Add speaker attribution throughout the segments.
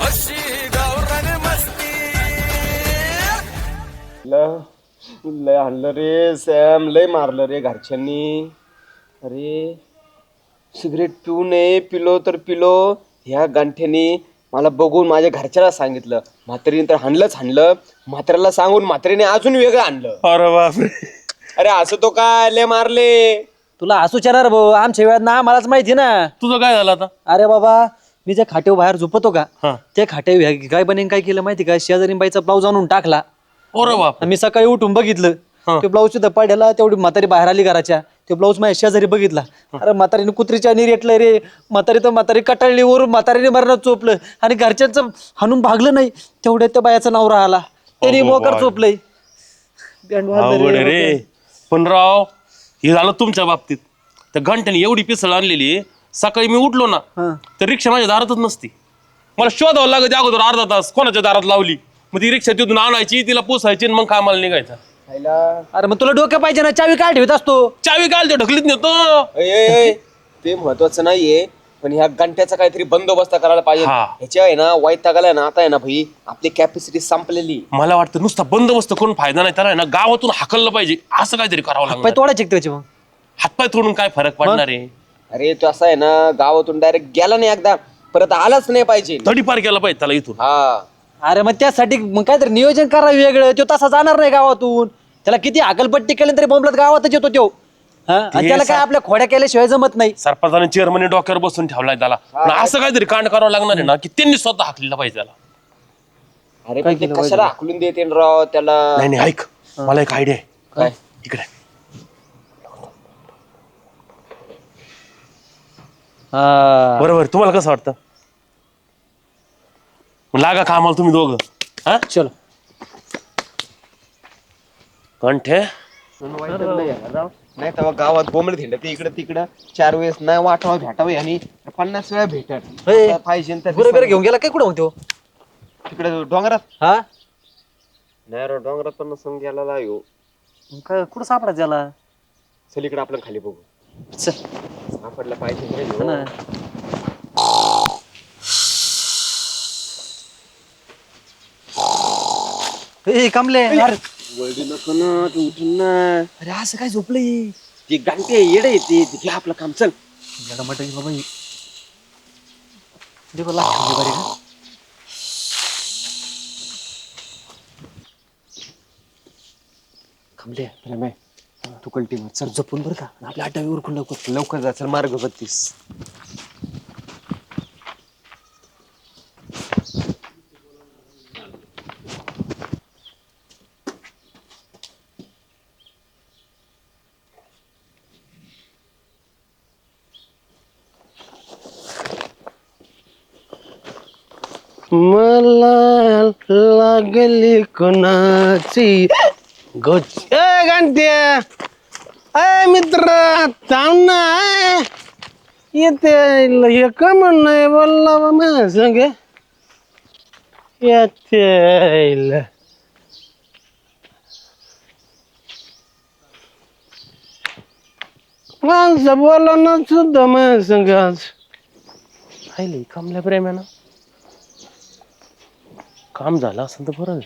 Speaker 1: अशी गावरान मस्ती.
Speaker 2: लय आणलं रे सॅम, लय मारलं रे घरच्यांनी. अरे सिगरेट पिऊ नये, पिलो तर पिलो. ह्या गांठ्यानी मला बघून माझ्या घरच्याला सांगितलं, म्हातारीने तर हाणलं. म्हाताऱ्याला सांगून म्हातारीने अजून वेगळं आणलं.
Speaker 3: अरे बापरे.
Speaker 2: अरे असं तो काय लय मारले.
Speaker 4: तुला हसू चार भाऊ, आमच्या वेळात ना मलाच माहिती ना.
Speaker 3: तुझं काय झालं आता?
Speaker 4: अरे बाबा, मी ज्या खाटेव बाहेर झोपतो का,
Speaker 3: हा.
Speaker 4: त्या खाटेव काय बनेन काय केलं माहिती का, शेजारी बाईचा ब्लाऊज आणून टाकला.
Speaker 3: अरे बाप.
Speaker 4: मी सकाळी उठून बघितलं,
Speaker 3: हा.
Speaker 4: ते ब्लाऊज सुद्धा पडला. तेवढी म्हातारी बाहेर आली घराच्या, ते ब्लाऊज माझ्या शेजारी बघितला. अरे म्हातारीने कुत्रीच्या रेटलंय रे. म्हातारी कटाळली, वरून म्हातारीने मरणात चोपलं आणि घरच्यांचं हाणून भागलं नाही. तेवढ्या त्या बायाचा नवरा आला, त्याने मोकर चोपलंय.
Speaker 3: अवघड आहे रे. पण राव, हे झालं तुमच्या बाबतीत. त्या घंट्याने एवढी पिसळ आणलेली, सकाळी मी उठलो ना तर रिक्षा माझ्या दारातच नसती. मला शोधावं लागत अगोदर अर्धा तास, कोणाच्या दारात लावली. मग ती रिक्षा तिथून आणायची, तिला पोसायची आणि मग कामाला निघायचा.
Speaker 4: अरे मग तुला डोकं पाहिजे ना, चावी काय ठेवत असतो.
Speaker 3: चावी काल ते ढकलीत नेतो.
Speaker 2: ते महत्वाचं नाहीये, पण ह्या घंट्याचा काहीतरी बंदोबस्त करायला पाहिजे.
Speaker 3: हा.
Speaker 2: ह्याच्या आहे ना वैतागाला ना, आता आहे ना भाई, आपली कॅपॅसिटी संपलेली.
Speaker 3: मला वाटतं नुसता बंदोबस्त करून फायदा नाही, त्याला आहे ना गावातून हाकललं पाहिजे. असं काहीतरी करावं
Speaker 4: पाय
Speaker 3: लागतं.
Speaker 4: तोडायचे त्याचे मग.
Speaker 3: हातपाय तोडून काय फरक पडणार आहे?
Speaker 2: अरे तो असा आहे ना, गावातून डायरेक्ट गेला नाही एकदा, परत आलाच नाही पाहिजे.
Speaker 3: तडीपार केला पाहिजे त्याला इथून.
Speaker 2: हा.
Speaker 4: अरे मग त्यासाठी मग काहीतरी नियोजन करावं वेगळं. तो तसा जाणार नाही गावातून. त्याला किती हाकलपट्टी केली तरी बोंबलत गावातच येतो तो. आणि त्याला काय आपल्या खोड्या केल्याशिवाय जमत नाही.
Speaker 3: सरपंचाने चेअरमनी डोक्यावर बसून ठेवलाय त्याला. पण असं काहीतरी कांड करावं लागणार आहे ना, की त्यांनी स्वतः हाकलेला पाहिजे त्याला.
Speaker 2: अरे पण ते कशाला हाकलून देते राव त्याला.
Speaker 3: नाही ऐक, मला एक आयडिया आहे.
Speaker 2: काय?
Speaker 3: इकडे बरोबर. तुम्हाला कसं वाटतं? मग लागा कामाला तुम्ही दोघं. हा
Speaker 4: चलो.
Speaker 3: कंठे
Speaker 2: नाही तेव्हा गावात बोंबल थिंडते इकडे तिकडं 4 वेळेस नाही वाटावं भेटावं आणि 50 वेळा भेटत पाहिजे
Speaker 4: बरोबर घेऊन गेला काय कुठं होतो
Speaker 2: तिकडे डोंगरात.
Speaker 4: हा
Speaker 2: नाही राव, डोंगरात पण नसून गेला येऊ.
Speaker 4: काय कुठं सापडायचं त्याला.
Speaker 2: चल इकडे आपण खाली बघू.
Speaker 4: चल.
Speaker 2: सापडला पाहिजे रे
Speaker 4: हा
Speaker 2: ह्यो.
Speaker 4: ना. ए कमले, अरे
Speaker 2: वळडी नको ना, तू उठून ना.
Speaker 4: अरे असं काय झोपलंय.
Speaker 2: ती गांठी येडे येते, घे आपलं काम. चल.
Speaker 4: बाबा देखो लाख बरे का.
Speaker 2: खमले प्रेम आहे, तू कल्टी चल.
Speaker 4: जपून बरं का, आपल्या आटावी उरकून लवकर.
Speaker 2: लवकर जा, चल. मार्ग 32.
Speaker 3: मला लागली कोणाची घंट्या. अय मित्र, थांब ना. येते हे का म्हण नाही बोलला माझ्या संग. येते माणसं बोला ना सुद्धा माझ्या संग आज. पाहिले कमल्या प्रेमानं काम झालं असं तर बरं.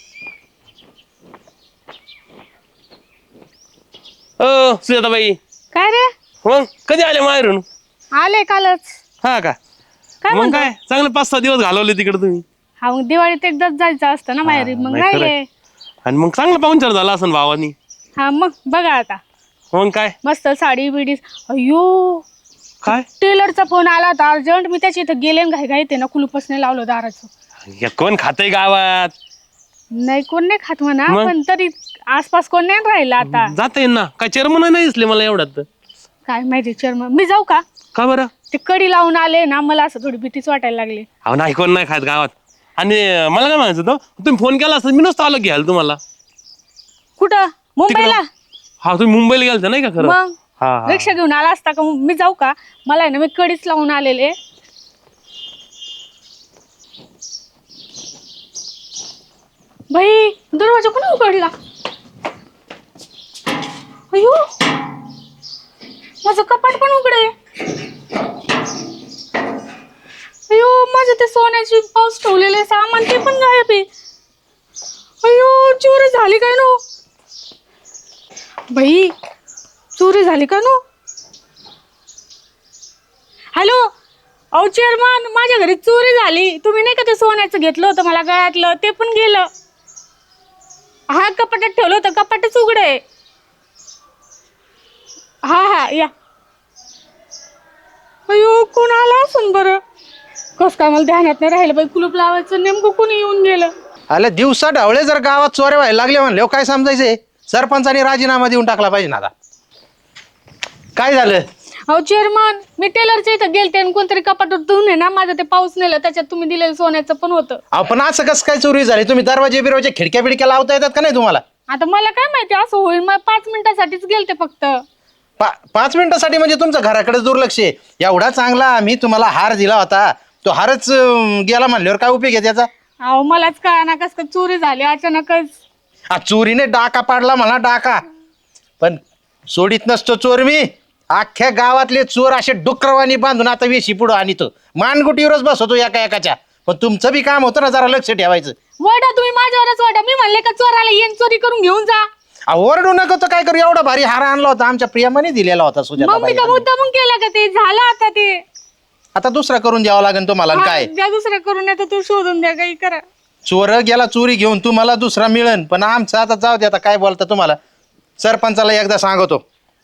Speaker 3: सुजाताबाई,
Speaker 5: काय रे?
Speaker 3: मग कधी आले माहेरून?
Speaker 5: आले कालच.
Speaker 3: हा का?
Speaker 5: काय
Speaker 3: मग
Speaker 5: म्हणतो?
Speaker 3: काय चांगले 5-6 दिवस घालवले तिकडे तुम्ही.
Speaker 5: हा मग दिवाळीत एकदाच जायचं असतं ना माहेरी, मग
Speaker 3: नाही
Speaker 5: राहिले.
Speaker 3: खरंय. आणि मग चांगला पाहुणचार झाला असं भावानी.
Speaker 5: हा मग बघा आता,
Speaker 3: मग काय
Speaker 5: मस्त साडी बिडी. अयो,
Speaker 3: काय
Speaker 5: टेलरचा फोन आला होता अर्जंट. मी त्याची इथं गेले घाई घाई ते ना कुलूपच नाही लावलं दाराचं.
Speaker 3: या कोण खातंय गावात?
Speaker 5: नाही कोण नाही खात म्हणा,
Speaker 3: मग?
Speaker 5: पण तरी आसपास कोण नाही राहिलं आता.
Speaker 3: जाता येईल ना. काय चेअरमन नाही दिसले मला एवढ्यात.
Speaker 5: काय माहिती चर्म. मी जाऊ का?
Speaker 3: का बरं?
Speaker 5: ते कडी लावून आले ना, मला असं थोडी भीतीच वाटायला लागली.
Speaker 3: अहो नाही, कोण नाही खात गावात. आणि मला काय म्हणायचं होतं, तुम्ही फोन केला असता मी नसतो आलो घ्यायला तुम्हाला.
Speaker 5: कुठं? मुंबईला?
Speaker 3: हा, तुम्ही मुंबईला गेलता नाही का खरं?
Speaker 5: मग
Speaker 3: हा
Speaker 5: रिक्षा घेऊन आला असता का? मी जाऊ का? मला आहे ना, मी कडीच लावून आलेले. बाई, दरवाजा कोणी उघडला? अयो, माझं कपाट पण उघडे. अयो, माझं ते सोन्याची पाऊस ठेवलेले सामान ते पण गायब आहे. अयो चोरी झाली काय नो बाई, चोरी झाली का नो? हॅलो, अहो चेअरमन, माझ्या घरी चोरी झाली. तुम्ही नाही का ते सोन्याचं घेतलं होतं मला गळ्यातलं, ते पण गेलं. हा, कपाटात ठेवलं होतं, कपाटच उघड आहे. हा हा या. अयो कोण आला असून बरं? कस काय मला ध्यानात नाही राहिलं बाई, कुलूप लावायचं नेमकं कोणी येऊन गेलं.
Speaker 6: अरे दिवसा ढवळे जर गावात चोऱ्या व्हायला लागले म्हणले काय समजायचंय? सरपंचाने राजीनामा देऊन टाकला पाहिजे ना आता. काय झालं?
Speaker 5: अहो चेअरमन, मी टेलरच्या इथं गेलते आणि कोणतरी कपाटात धुवून आहे ना माझं ते पाऊस नेलं, त्याच्यात तुम्ही दिलेलं सोन्याचं पण होतं.
Speaker 6: आपण असं कसं काय चोरी झाली? तुम्ही दरवाजे बिरवाजे खिडक्या बिडक्या लावता येतात का नाही तुम्हाला?
Speaker 5: आता मला काय माहिती असं होईल, मग 5 मिनिटासाठीच गेलते फक्त.
Speaker 6: 5 मिनिटासाठी म्हणजे तुमचं घराकडे दुर्लक्ष आहे. एवढा चांगला आम्ही तुम्हाला हार दिला होता, तो हारच गेला म्हणल्यावर काय उपयोग आहे त्याचा?
Speaker 5: अहो मलाच कळना कस काय चोरी झाली अचानकच.
Speaker 6: चोरीने डाका पाडला मला, डाका. पण सोडीत नसतो चोर मी. अख्ख्या गावातले चोर असे डुकरवाणी बांधून आता वेशी पुढं आणतो, मानगुटीवरच बसवतो एका एकाच्या. पण तुमचं बी काम होतं ना जरा लक्ष ठेवायचं.
Speaker 5: वडा तुम्ही माझ्यावरच वडा. मी म्हणले का चोराला येईन चोरी करून घेऊन जा.
Speaker 6: ओरडू नका तर काय करू? एवढा भारी हार आणला होता, आमच्या प्रियमाने दिलेला होता
Speaker 5: मग मी
Speaker 6: सुजाताबाई.
Speaker 5: का मुद्दामून केलं का? ते झालं आता ते.
Speaker 6: आता दुसरा करून द्यावा लागेल तुम्हाला. आणि काय
Speaker 5: द्या दुसरं करून, येतं तू शोधून द्या, काही करा.
Speaker 6: चोर गेला चोरी घेऊन, तुम्हाला दुसरा मिळेल. पण आमचं आता जाऊ दे, आता काय बोलता तुम्हाला. सरपंचाला एकदा सांगतो.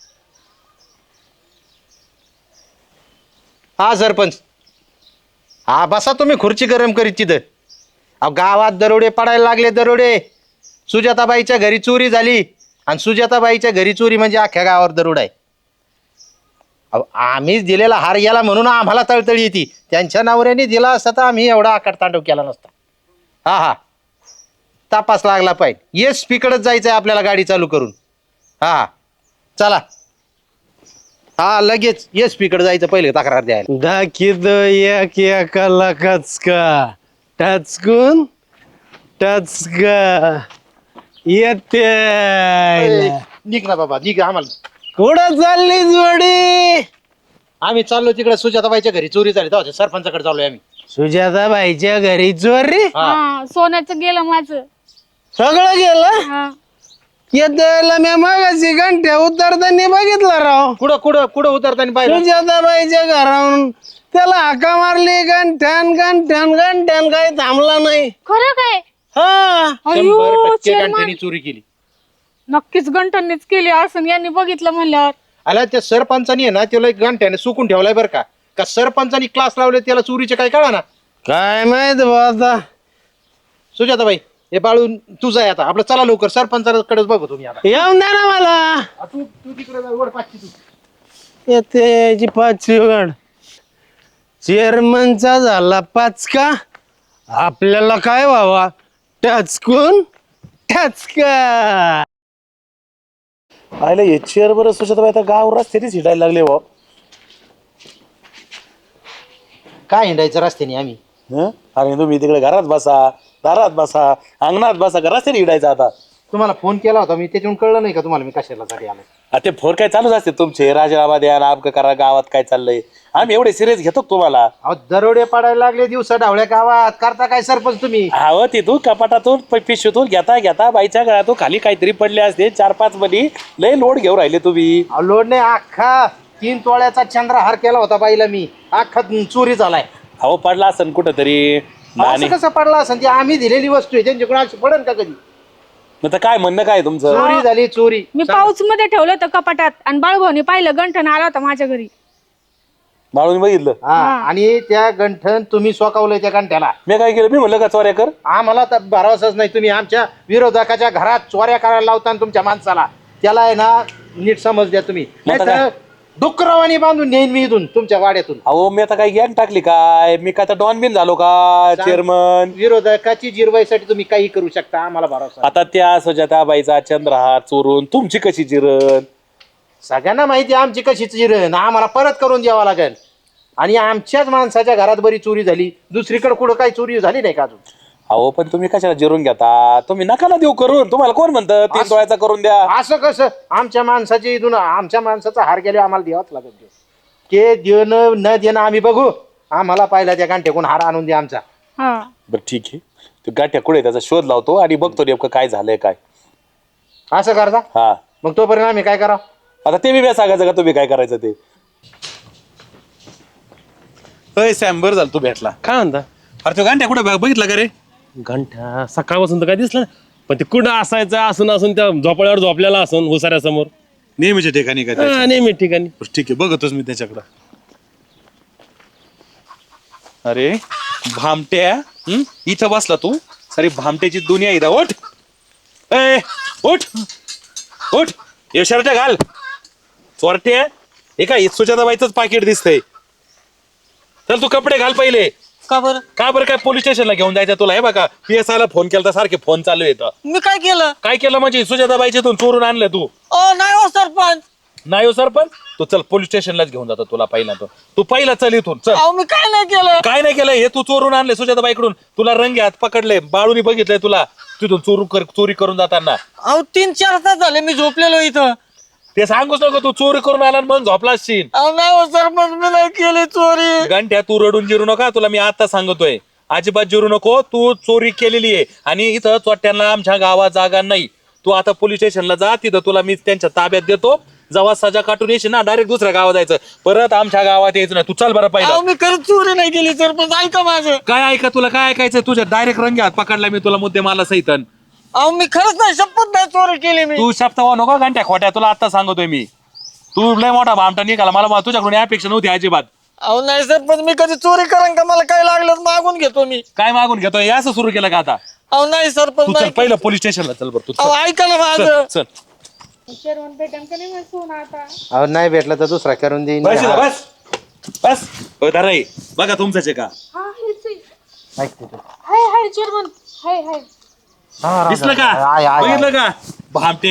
Speaker 6: हा सरपंच, हा बसा तुम्ही खुर्ची गरम करीत तिथं. अहो गावात दरोडे पडायला लागले, दरोडे. सुजाताबाईच्या घरी चोरी झाली, आणि सुजाताबाईच्या घरी चोरी म्हणजे अख्ख्या गावावर दरोड आहे. अहो आम्हीच दिलेला हार गेला म्हणून आम्हाला तळतळी येते. त्यांच्या नवऱ्याने दिला असता तर आम्ही एवढा आकाटतांडव केला नसता. हा हा, तपास लागला पाहिजे. येस स्पीकडच जायचंय आपल्याला गाडी चालू करून. हा चला, हा लगेच येस स्पीकडे जायचं, पहिले तक्रार द्यायला.
Speaker 7: दाखिद एक एकाला कचका टचकून टचका येते.
Speaker 6: निघ ना बाबा, निघ. आम्हाला
Speaker 7: कुठं चालली जोडी?
Speaker 6: आम्ही चाललो तिकडे सुजाताबाईच्या घरी चोरी झाली, तेव्हा सरपंचाकडे चाललोय आम्ही.
Speaker 7: सुजाताबाईच्या घरी चोरी?
Speaker 5: हा, सोन्याचं गेलं माझं
Speaker 7: सगळं गेलं?
Speaker 5: हा.
Speaker 7: येतायला मी मगाशी घंट्या उतरताना बघितलं राव.
Speaker 6: कुठं कुठं कुठं उतरताना पाहिजे?
Speaker 7: सुजाताबाईच्या घरावरून त्याला हाका मारली, घंट्यान घंट्यान घंट्यान, काही थांबला नाही.
Speaker 5: खरं काय?
Speaker 7: हा
Speaker 6: 100%
Speaker 5: चेअरमन,
Speaker 6: गंठ्यानी चोरी केली.
Speaker 5: नक्कीच गंठणीच केली असं यांनी बघितलं म्हणल्यावर.
Speaker 6: आला त्या सरपंचानी आहे ना, त्याला एक गंठ्याने सुकून ठेवलाय बरं का. का सरपंचानी क्लास लावले त्याला चोरीचे काय कळा ना.
Speaker 7: काय माहित बा आता.
Speaker 6: सुजाताबाई, हे बाळून तुझं आहे आता. आपलं चला लवकर, सरपंचाकडेच बघू तुम्ही आता.
Speaker 7: येऊन द्या ना मला.
Speaker 6: तू तिकडे वर पाचशे तू.
Speaker 7: येते याची 5 गड. चेअरमनचा झाला 5 का, आपल्याला काय व्हावा? टचकून टचका.
Speaker 8: आयला हे चेअर बरं सुशाताबाई आता गाव रस्त्यानेच हिंडायला लागले भाऊ.
Speaker 6: काय हिंडायचं रस्त्याने आम्ही?
Speaker 8: अरे तुम्ही तिकडे घरात बसा, दारात बसा, अंगणात बसा, का रस्त्याने हिंडायचं आता?
Speaker 6: तुम्हाला फोन केला होता मी, त्याच्यावरून कळलं नाही का तुम्हाला मी कशाला साठी आलो?
Speaker 8: ते फोन काय चालूच असते तुमचे, राजीनामा द्या, नामकं करा, गावात काय चाललंय. आम्ही एवढे सिरियस घेतो का तुम्हाला?
Speaker 6: अहो दरोडे पडायला लागले दिवसा ढवळ्या गावात. करता काय सरपंच तुम्ही?
Speaker 8: हवं तिथून कपाटातून पिशवीतून घेता घेता बाईच्या गळ्यातून खाली काहीतरी पडले असते 4-5 मनी. लय लोड घेऊन राहिले तुम्ही.
Speaker 6: अहो लोड नाही, अख्खा 3 तोळ्याचा चंद्रहार केला होता बाईला मी. अख्खा चोरी झालाय.
Speaker 8: अहो पडला असन कुठं तरी.
Speaker 6: असं कसं पडला असं? ती आम्ही दिलेली वस्तू आहे, त्यांच्याकडून अशी पडेल का कधी?
Speaker 8: मग काय म्हणणं काय तुमचं?
Speaker 6: चोरी झाली, चोरी.
Speaker 5: मी पाऊच मध्ये ठेवलं होतं कपाटात, आणि बाळूभाऊनी पाहिलं गंठण आला होता माझ्या घरी.
Speaker 8: बाळून बघितलं?
Speaker 6: हा, आणि त्या गंठन तुम्ही सोकावलंय त्या गंठ्याला.
Speaker 8: मी काय केलं? मी म्हणलं का चोऱ्या कर?
Speaker 6: आम्हाला तर भरवसाच नाही. तुम्ही आमच्या विरोधकाच्या घरात चोऱ्या करायला लावता तुमच्या माणसाला. त्याला आहे ना नीट समज द्या तुम्ही, नाहीतर डुकरावानी बांधून नेईन मी इथून तुमच्या वाड्यातून.
Speaker 8: अहो मी आता काय गॅन टाकली काय? मी काय डॉन बिन झालो का चेअरमन?
Speaker 6: विरोधकाची जिरवाईसाठी तुम्ही काही करू शकता, आम्हाला भरोसा.
Speaker 8: आता त्या सुजाताबाईचा चंद्रहार चोरून तुमची कशी जिरण?
Speaker 6: सगळ्यांना माहिती आमची कशी जिरण, आम्हाला परत करून द्यावा लागेल. आणि आमच्याच माणसाच्या घरात बरी चोरी झाली, दुसरीकडे कुठं काही चोरी झाली नाही का अजून?
Speaker 8: अहो पण तुम्ही कशाला जिरून घेता? तुम्ही नका ना देऊ करून. तुम्हाला कोण म्हणतं 3 तोळ्याचा करून द्या?
Speaker 6: असं कसं? आमच्या माणसाची इथून, आमच्या माणसाचा हार गेले आम्हाला द्यावाच लागेल. ते देणं न देणं आम्ही बघू, आम्हाला पाहिला त्या गांठ्याकून हार आणून दे आमचा.
Speaker 5: हा
Speaker 8: बरं ठीक आहे. तो गाठ्या कुठे त्याचा शोध लावतो आणि बघतो नेमकं काय झालंय काय.
Speaker 6: असं करता
Speaker 8: हा
Speaker 6: मग तोपर्यंत आम्ही काय करावं?
Speaker 8: आता ते मी सांगायचं का तुम्ही काय करायचं ते. अय सॅम बरं झालं तू भेटला.
Speaker 3: काय म्हणता
Speaker 8: अरे तो गांठ्या कुठे बघितला का रे?
Speaker 3: घंटा सकाळपासून तर काय दिसलं नाही. पण ते कुठं असायचं असून त्या झोपाळ्यावर झोपलेला असून हुसाऱ्यासमोर
Speaker 8: नेहमीच्या ठिकाणी काय त्याच्या?
Speaker 3: नेहमी ठिकाणी.
Speaker 8: ठीक आहे बघतोच मी त्याच्याकडं. अरे भामट्या इथं बसला तू. सारी भामट्याची दुनिया इथं. ओठ ए ओठ ओठ हे शर्ट घाल. चोरट्या हे काय सुजाताबाईचंच पाकिट दिसतंय. चल तू कपडे घाल पहिले.
Speaker 4: का बरं?
Speaker 8: का बरं काय पोलीस स्टेशनला घेऊन जायचं तुला? हे बघा PSI ला फोन केला तर सारखे फोन चालू येतं.
Speaker 4: मी काय केलं?
Speaker 8: काय केलं म्हणजे सुजाताबाईच्या इथून चोरून आणलं तू?
Speaker 4: नाही हो सरपंच.
Speaker 8: नाही हो सरपंच. तू चल पोलीस स्टेशनलाच घेऊन जातो तुला पहिला. तू पहिला चल इथून चल.
Speaker 4: अहो मी काय नाही केलं.
Speaker 8: काय नाही केलं हे तू चोरून आणले सुजाताबाईकडून. तुला रंगे हात पकडले बाळूनी बघितलंय तुला तिथून चोरी करून जाताना.
Speaker 4: अहो 3-4 तास झाले मी झोपलेलो इथं.
Speaker 8: ते सांगूच नको तू चोरी करून आला आणि मग झोपला असशील.
Speaker 4: अहो नाही हो सरपंच मी नाही केली चोरी.
Speaker 8: घंट्या तू रडून जिरू नका. तुला मी आता सांगतोय अजिबात जिरू नको. तू चोरी केलेली आहे आणि इथं चोट्यांना आमच्या गावात जागा नाही. तू आता पोलीस स्टेशनला जा. तिथं तुला मी त्यांच्या ताब्यात देतो. जेव्हा सजा काटून येशील ना डायरेक्ट दुसऱ्या गावात जायचं. परत आमच्या गावात यायचं नाही. तू चल बरं
Speaker 4: अहो
Speaker 8: पहिला.
Speaker 4: मी खरंच चोरी नाही केली सरपंच. ऐका माझं.
Speaker 8: काय ऐका तुला काय ऐकायचं? तुझ्या डायरेक्ट रंगे हात पकडला मी तुला मुद्दे मला सहितन.
Speaker 4: अहो मी खरंच नाही शपथ नाही चोरी केली मी.
Speaker 8: तू शब्द नको घंट्या खोट्या. तुला आता सांगतोय मी. तू लय मोठा भामटा निघाला. मला तुझ्याकडून अपेक्षा नव्हती अजिबात.
Speaker 4: अहो नाही सरपंच मी कधी चोरी करेन का? मला काय लागलं मागून घेतो मी.
Speaker 8: काय मागून घेतोय? असं सुरू केलं का आता?
Speaker 4: अहो नाही सरपंच
Speaker 8: तू चल
Speaker 4: नाही.
Speaker 8: पहिलं पोलीस स्टेशनला चल बरं. तू
Speaker 4: अहो
Speaker 8: चल.
Speaker 4: ऐका ना माझं.
Speaker 8: चल
Speaker 5: चेअरमन भेटेन का नाही मला सोनं आता?
Speaker 6: अहो नाही भेटलं तर दुसरा करून देईन.
Speaker 8: बस इथं, बस बस. हो, धरा हे. बघा तुमचंच आहे का?
Speaker 5: हा हेच आहे. Hi hi chairman. Hi hi.
Speaker 8: दिसलं का?
Speaker 6: आय, आय,
Speaker 8: बघितलं का? भामटे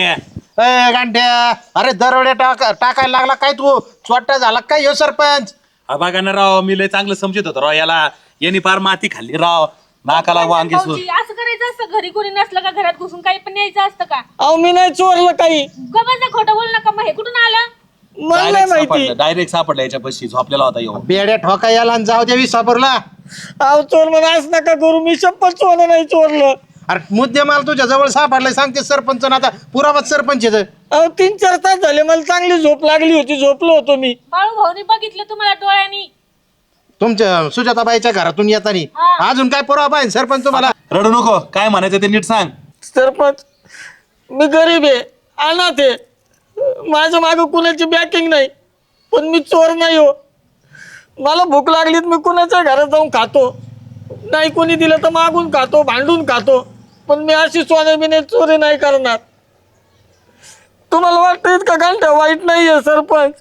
Speaker 6: ए गांठ्या अरे दरोडे टाकायला लागला काय तू? चोट्टा झाला काय ह्यो सरपंच?
Speaker 8: बघा ना राव मी लय चांगलं समजत होतो राव याला. यांनी फार माती खाल्ली राव. नाकाला वांगी सूर.
Speaker 5: भाऊजी, असं करायचं असतं घरी कोणी नसलं का घरात घुसून काही पण न्यायचं असतं का?
Speaker 4: अहो मी नाही चोरलं काही.
Speaker 5: गबाचा खोटं बोल नका. मग हे कुठून आलं?
Speaker 4: मला नाही माहिती.
Speaker 8: डायरेक्ट सापडला याच्या पशी झोपलेला होता येऊ.
Speaker 6: बेड्या ठोका याला आणि जाऊ द्यावी साबरला.
Speaker 4: अहो चोर म्हणून असं नका करू. मी शपथ सोनं नाही चोरलं.
Speaker 6: अरे मुद्दे माल तुझ्या जवळ सापडलाय सांगते सरपंच आता पुरावाच सरपंच येतं.
Speaker 4: अहो 3-4 तास झाले मला चांगली झोप लागली होती. झोपलो होतो मी.
Speaker 5: बाळू भाऊनी बघितलं तुम्हाला डोळ्यांनी.
Speaker 6: तुमच्या सुजाताबाईच्या घरातून येताना अजून काय पुरावा पाहिजे सरपंच तुम्हाला?
Speaker 8: रडू नको. काय म्हणायचं ते नीट सांग.
Speaker 4: सरपंच मी गरीब आहे अनाथ आहे. माझ्या मागं कुणाची बॅकिंग नाही. पण मी चोर नाही हो. मला भूक लागली तर मी कुणाच्या घरात जाऊन खातो. नाही कोणी दिलं तर मागून खातो भांडून खातो. पण मी अशी सोन्याबिने चोरी नाही करणार. तुम्हाला वाटतं इतका घंटा वाईट नाहीये सरपंच.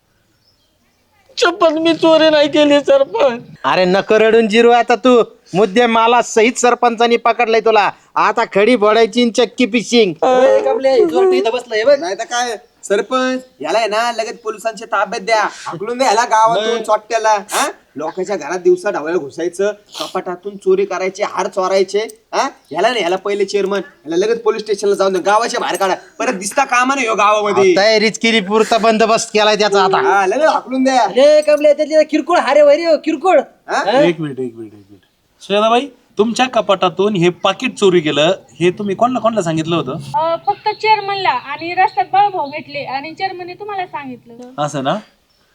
Speaker 4: शपथ मी चोरी नाही केली सरपंच.
Speaker 6: अरे नको रडून जिरू आता तू. मुद्दे माला सहित सरपंचानी पकडलाय तुला. आता खडी फोडायची चक्की पिशिंग.
Speaker 2: नाही तर काय सरपंच याला आहे ना लगेच पोलिसांच्या ताब्यात द्या. हाकलून द्या याला गावातून चोट्ट्याला. हा लोकांच्या घरात दिवसा ढवळ्या घुसायचं. कपाटातून चोरी करायचे हार चोरायचे. हा याला नाही याला पहिले चेअरमन याला लगेच पोलीस स्टेशनला जाऊन द्या. गावाच्या बाहेर काढा. परत दिसता कामा नाही हो गावामध्ये.
Speaker 6: तयारीच केली पुरता बंदोबस्त केलाय त्याचा आता.
Speaker 2: हा लगेच हाकलून द्या.
Speaker 4: किरकोळ हारे वैरी किरकोळ.
Speaker 8: एक मिनिट. सुजाताबाई तुमच्या कपाटातून हे पाकिट चोरी केलं हे तुम्ही कोणाला सांगितलं होतं?
Speaker 5: फक्त चेअरमनला आणि रस्त्यात बाळू भाऊ भेटले आणि चेअरमनने तुम्हाला सांगितलं.
Speaker 8: असं ना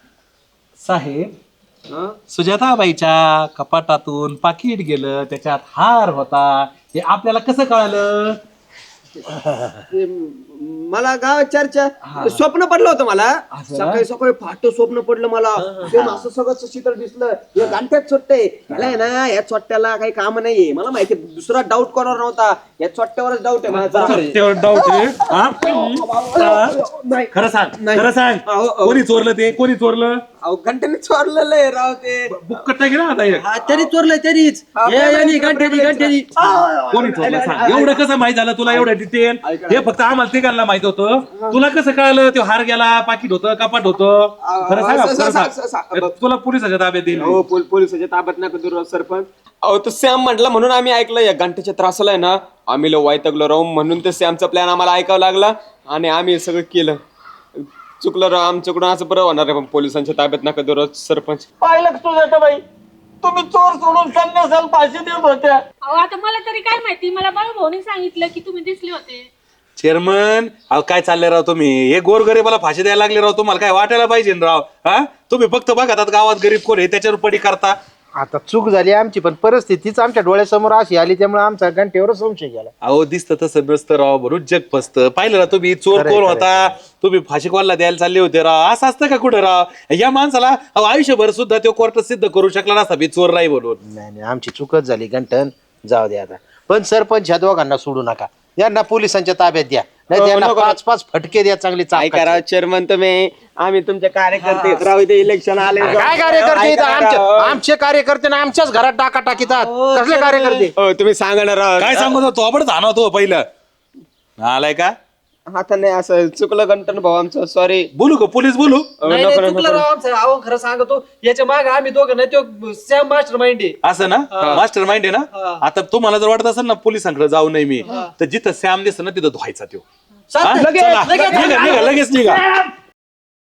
Speaker 8: साहेब. सुजाताबाईच्या कपाटातून पाकिट गेलं त्याच्यात हार होता हे आपल्याला कसं कळालं?
Speaker 2: मला गावात चर्चा स्वप्न पडलं होतं. मला सकाळी सकाळी फाट स्वप्न पडलं मला. असं सगळं चित्र दिसलं. हे गांठ्यात चोट्टे याला आहे ना. या चोट्ट्याला काही काम नाहीये. मला माहिती दुसरा डाऊट कोणावर नव्हता. या चोट्ट्यावरच डाऊट आहे माझा.
Speaker 8: खरं सांग कोणी चोरलं ते? कोणी चोरलं?
Speaker 2: अहो घंट्याने चोरलेलं आहे राव ते.
Speaker 8: बुक कट्टा गेला आता एक.
Speaker 4: त्यांनी चोरलंय त्यांनीच. गांठ्यानी
Speaker 8: कोणी चोरलं सांग. एवढं कसं माहित झालं तुला? एवढं डिटेल हे फक्त आम्हाला तिघांना माहित होतं. तुला कसं कळलं? ते हार गेला पाकिट होतं कपाट होतं? खरं सांग. तुला पोलिसाच्या ताब्यात देईल.
Speaker 2: हो पोलिसाच्या ताब्यात नका देऊ सरपंच. अहो तो सॅम म्हटला म्हणून आम्ही ऐकलं. या घंट्याच्या त्रासाला आहे ना आम्ही वाईटगलो राहू म्हणून ते सॅमचा प्लॅन आम्हाला ऐकावं लागला आणि आम्ही सगळं केलं. चुकलं राव आमच्याकडून. असं बरं होणार आहे. पण पोलिसांच्या ताब्यात नका देऊ सरपंच.
Speaker 4: पाहिलं तुझ्या बाई तुम्ही चोर सोडून संन्यासाला फाशी देत होत्या.
Speaker 5: अहो आता मला तरी काय माहिती, मला बाळूभाऊनी सांगितलं की तुम्ही दिसले होते.
Speaker 8: चेअरमन अहो काय चालले राव तुम्ही? हे गोरगरीबाला फाशी द्यायला लागले राव. तुम्हाला काय वाटायला पाहिजे ना राव? हा तुम्ही फक्त बघा गावात गरीब कोण आहे त्याच्यावर पडी करता.
Speaker 6: आता चूक झाली आमची, पण परिस्थितीच आमच्या डोळ्यासमोर अशी आली त्यामुळे आमचा घंटेवर संशय गेला.
Speaker 8: अहो दिसतं तसं नसतं राव, बरोबर जग फसतं. पाहिलं ना तुम्ही चोर कोण होता, तुम्ही फाशी कोणाला द्यायला चालले होते राव. असं असतं का कुठं राव? या माणसाला अहो आयुष्यभर सुद्धा तो कोर्टात सिद्ध करू शकला नसता मी चोर नाही म्हणून.
Speaker 6: नाही आमची चूकच झाली घंटन, जाऊ दे आता. पण सरपंच ह्या दोघांना सोडू नका, यांना पोलिसांच्या ताब्यात द्या, नाही त्यांना 5-5 फटके द्या चांगले.
Speaker 2: काय करा चेअरमन तुम्ही, आम्ही तुमचे कार्यकर्ते राहू दे, इलेक्शन आले.
Speaker 6: काय कार्यकर्ते इथं? आमचे कार्यकर्ते ना आमच्याच घरात टाका टाकीत कसले कार्यकर्ते?
Speaker 2: हो तुम्ही सांगा ना राव.
Speaker 8: काय सांगत होतो आपण जाणवतो पहिलं आलाय का?
Speaker 2: आता नाही, असं चुकलं गंटन भाऊ आमचं, सॉरी.
Speaker 8: बोलू का पोलीस बोलू?
Speaker 4: नाही, नाही, चुकलं राव आमचं. अहो खरं सांगतो, याच्या मागे आम्ही दोघं नाही, तो सॅम मास्टर माइंड आहे.
Speaker 8: असं ना, मास्टर माइंड आहे ना. आता तुम्हाला जर वाटत असेल ना पोलिसांकडे जाऊ नये मी, तर जिथं सॅम दिसत ना तिथं धुवायचा तो.
Speaker 4: चालतंय.
Speaker 8: चला, निघा, लगेच निघा.